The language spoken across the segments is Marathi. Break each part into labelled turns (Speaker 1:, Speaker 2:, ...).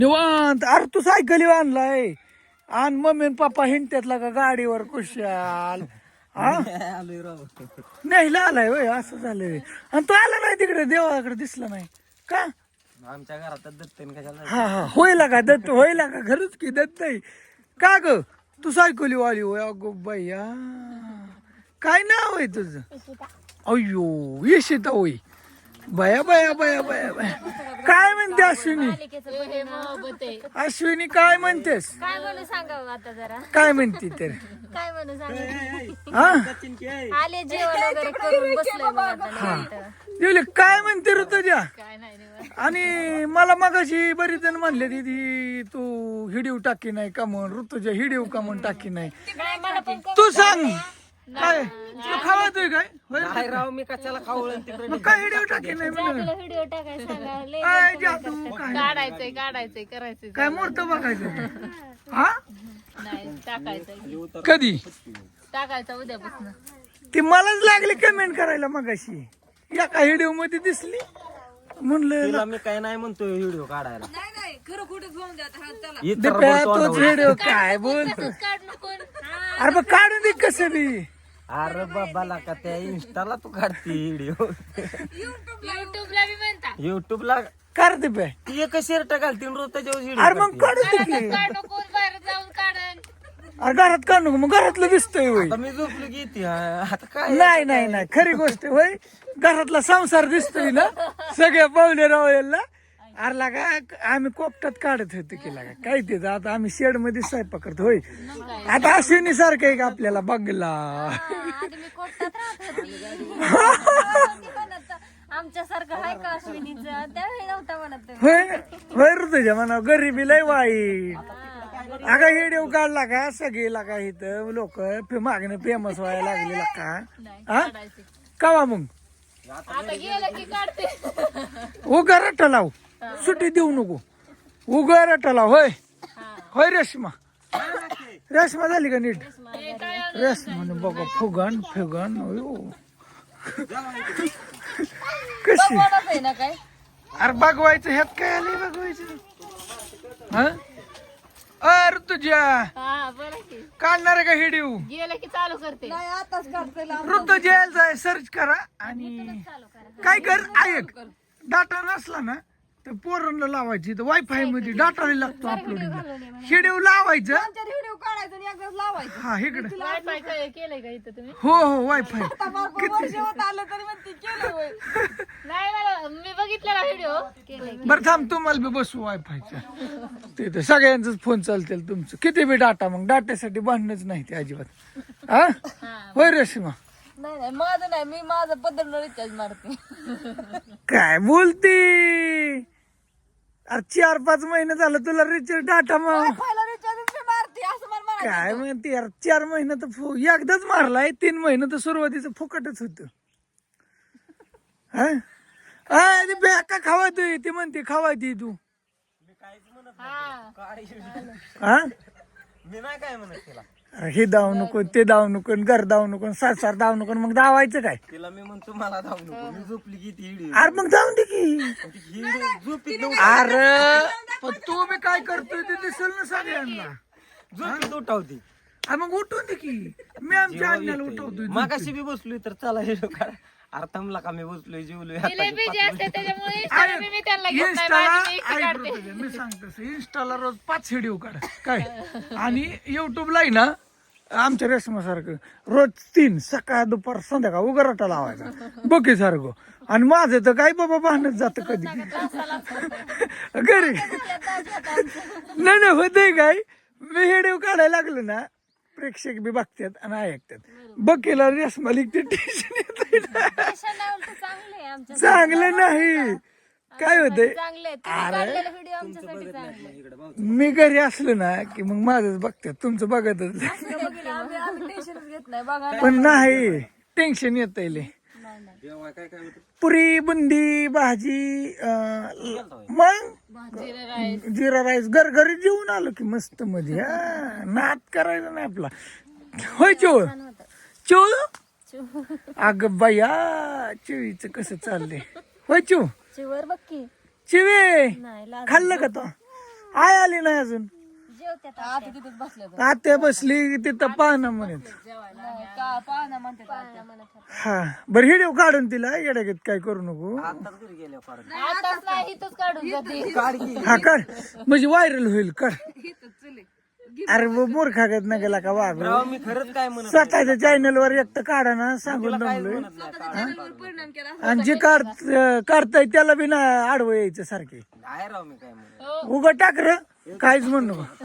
Speaker 1: निवांत. अरे तू सायकली आणलाय आणि मम्मी आणि पप्पा हिंडत्यातला का गाडीवर कुशाल हा नाही आलाय वय असं झालंय. आणि तो आला नाही तिकडे देवाकडे दिसला नाही का
Speaker 2: आमच्या घरात दत्त कशाला.
Speaker 1: हा हा होईल का दत्त होईल का खरंच की दत्त आहे का ग तू सायकली वाली होय अगो बाया काय नाव आहे तुझं अय्यो येशिता होय बया बया बया बया बया काय म्हणते अश्विनी अश्विनी काय म्हणतेस
Speaker 3: काय म्हणू सांगावं आता जरा
Speaker 1: काय म्हणते तर
Speaker 3: काय म्हणू सांगावं
Speaker 1: हा
Speaker 3: आले जेवण वगैरे करून बसलोय मग आता निवांत.
Speaker 1: जेवले काय म्हणते ऋतुजा
Speaker 3: काय नाही निवांत.
Speaker 1: आणि मला मगाशी बरीच जण म्हणले दीदी तू हिडीव टाकी नाही का म्हणून ऋतुजा हिडीव का म्हणून टाकी नाही
Speaker 3: नाही, मला पण
Speaker 1: तू सांग काय तुला खावायचंय काय होय?
Speaker 2: काय राव मी कशाला खावळ तिकडे.
Speaker 1: मग काय हिडीव टाकी नाही म्हणून
Speaker 3: तुला व्हिडिओ टाकायला सांगा लय
Speaker 1: काय जादू काय
Speaker 3: काढायचंय करायचंय
Speaker 1: काय मूर्त बघायचं हा
Speaker 3: नाही टाकायचंय टाकायचं उद्यापासून.
Speaker 1: ती मलाच लागली कमेंट करायला मगाशी एका व्हिडिओ मध्ये दिसली म्हणलं
Speaker 2: तिला मी काय नाही म्हणतोय व्हिडिओ काढायला.
Speaker 1: दिप्या तोच व्हिडिओ काय बोलतो
Speaker 3: काढ नको
Speaker 1: अरे मग काढून दे कसं बी
Speaker 2: अरे बाबाला का त्या इंस्टाला तू काढते व्हिडिओ
Speaker 3: युट्यूबला बी म्हणता
Speaker 2: युट्यूबला
Speaker 1: कर दिप्या
Speaker 2: ती एक शर्ट घालते रोजच्या
Speaker 1: अरे मग काढून दे की
Speaker 3: काढ नको बाहेर जाऊन काढन.
Speaker 1: अरे घरात काढू नको मग घरातलं दिसतंय होय
Speaker 2: आता मी झोपली की ती आता काय
Speaker 1: नाही नाही नाही खरी गोष्ट आहे, होय घरातला संसार दिसतोय ना सगळ्या पाहुणे रावळ्याला अरे लागा आम्ही कोपटात काढत होतो की लागा काय ते आता आम्ही शेड मध्ये स्वयंपाक करतो होय आता अश्विनी सारखं आहे का आपल्याला बघला
Speaker 3: आधी मी कोर्टात राहत होते. आमच्यासारखं आहे का अश्विनीचं त्यावेळी नव्हता म्हणत.
Speaker 1: होय होय ऋतुजा म्हणा गरिबी लय वाईट अगा व्हिडिओ काढला का सगळे लागा इथं लोक मागणं फेमस व्हायला लागलेला का हा कवा मग
Speaker 3: आता गेलं की काढते.
Speaker 1: उगा रट्टा लाव सुट्टी देऊ नको उगा रट्टा लाव होय होय रेश्मा रेश्मा झाली का नीट रेश्मा बघा फुगण फिगण कशी
Speaker 3: आहे ना काय
Speaker 1: अरे बघवायचं ह्यात काय आलंय बघवायचं हा अरे तुझ्या
Speaker 3: हा बरं की
Speaker 1: काढणार आहे का व्हिडिओ
Speaker 3: गेलं की चालू करते.
Speaker 1: ऋतू जेल जाय सर्च करा आणि काय कर ऐक डाटा नसला ना तर पोरांना लावायची तर वायफाय मध्ये डाटा लागतो अपलोडिंगला व्हिडिओ लावायचं
Speaker 4: व्हिडिओ काढायचा आणि एकदाच लावायचं.
Speaker 1: हा इकडे
Speaker 3: वायफाय केलंय का इथं तुम्ही.
Speaker 1: हो हो वायफाय
Speaker 4: वर्ष होत आलं तरी म्हणते केलं होय.
Speaker 3: नाही मला मी बघितलेला व्हिडिओ केलंय.
Speaker 1: बरं थांब तुम्हाला बी बसू वायफायच्या तिथे सगळ्यांचाच फोन चालतील तुमचं किती बी डाटा मग डाट्यासाठी भांडणच नाही ते अजिबात हा होय रेश्मा
Speaker 4: नाही नाही माझं नाही मी माझं पद्धतीनं रिचार्ज मारते.
Speaker 1: काय बोलती अरे 4-5 महिने झालं तुला रिचार्ज डाटा मग
Speaker 4: पहिला रिचार्ज मी मारते असं मला म्हणायचं.
Speaker 1: काय म्हणते यार 4 महिने तर एकदाच मारलाय 3 महिने तर सुरुवातीचं फुकटच होत ती बॅका खावा तू ती म्हणते खावा ती तू हा
Speaker 2: मी नाही काय म्हणत तिला.
Speaker 1: अरे हे दाव नको ते दाव नको घर दाव नको सार दाव नको मग दावायचं काय
Speaker 2: तिला मी म्हणतो मला धावू नको मी झोपली की ती व्हिडिओ
Speaker 1: अरे मग जाऊन दे की
Speaker 2: झोपीत
Speaker 1: अरे पण तू बी काय करतोय ते दिसेल ना सगळ्यांना
Speaker 2: झोपीत उठावती.
Speaker 1: अरे मग उठवून दे की मी आमच्या अन्याला उठवतोय
Speaker 2: मागाशी बी बसलोय तर चला व्हिडिओ काढ. अरे थांबला का मी बसलोय जेवलोय आता
Speaker 3: बिझी असते त्याच्यामुळे Instagram मी त्यांना घेत नाही.
Speaker 1: इंस्टाला
Speaker 3: माझी मी एकटी
Speaker 1: ऐक
Speaker 3: काढते.
Speaker 1: ऋतुजा, मी सांगतो इंस्टाला रोज 5 व्हिडिओ काढ काय आणि युट्यूबला आहे ना आमच्या रेशमा सारखं रोज 3 सकाळ दुपार संध्याकाळ उगाराटा लावायचा बघे सारखं आणि माझं तर काय बाबा भांडत जात कधी घरी नाही नाही होतंय काय मी व्हिडिओ काढायला लागलो ना प्रेक्षक बी बघतात आणि ऐकतात बघेला रेशमा लिखते टेन्शन येत
Speaker 3: Fashion नाही, उलटं चांगलं आहे आमच्या
Speaker 1: चांगलं नाही काय होतंय
Speaker 3: चांगलं आहे. तुम्ही काढलेला व्हिडिओ आमच्यासाठी चांगला आहे.
Speaker 1: मी घरी असलो ना की मग माझंच बघतात तुमचं बघतच नाही.
Speaker 4: आम्ही टेन्शनच घेत नाही बघा.
Speaker 1: पण नाही टेन्शन येत पुरी बुंदी भाजी मग जिरा राईस घरी जेवून आलो की मस्त मध्ये हा नाद करायचा नाही आपला होय चोळ चोळ अग बाया चिवीच कसं चाललंय होय चो
Speaker 3: चिवर बघ की
Speaker 1: चिवे
Speaker 3: नाही
Speaker 1: खाल्लं का तो आय आली नाही अजून.
Speaker 3: जेवत्यात
Speaker 4: आता तिथेच बसल्या तर.
Speaker 1: आत्या बसली तिथं पाहणं म्हणत.
Speaker 4: नाही, का पाहणं म्हणते आता.
Speaker 1: हा बरं हिडिओ काढून तिला येड्यागत काय करू नको.
Speaker 2: आताच घरी गेल्या परत
Speaker 4: आताच नाही इथंच काढून जाते.
Speaker 2: काढ की.
Speaker 1: हा काढ म्हणजे व्हायरल होईल काढ. अरे मूर्खागत न गेला का वाघ.
Speaker 2: राव मी खरंच काय म्हणत
Speaker 1: स्वतःच्या चॅनल वर एकटं काढा ना सांगून दमलोय.
Speaker 2: म्हणत नाही
Speaker 4: परिणाम केला.
Speaker 1: आणि जे काढताय त्याला बी ना आडवं यायचं सारखे.
Speaker 2: नाही राव मी काय म्हणत
Speaker 1: उगा टाक र काहीच म्हणू नको.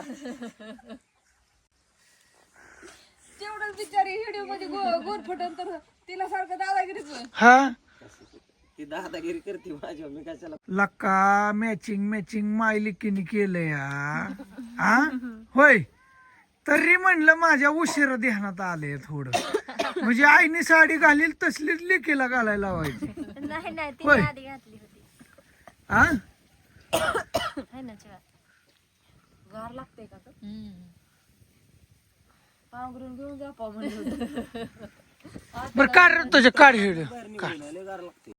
Speaker 4: तेवढंच बिचारी व्हिडिओ मध्ये गोरफटन तर तिला सारखं दादागिरीच होय.
Speaker 1: हा
Speaker 2: ती दादागिरी करते माझ्या मी कशाला
Speaker 1: लका मॅचिंग मायलिकीने केलं या. हा होय तरी म्हणलं माझ्या उशिरा ध्यानात आले थोडं. म्हणजे आईने साडी घालील तसलीच लेकीला घालायला लावायची.
Speaker 3: नाही नाही ती
Speaker 1: होय.
Speaker 3: आधी घातली होती.
Speaker 1: हा
Speaker 3: है ना चहा.
Speaker 4: गार लागते का ग? पांघरून घेऊन जा म्हणलं.
Speaker 1: बरं काढ रे तुझ्या काढ हिड.
Speaker 2: बाहेर निघायला लय गार लागते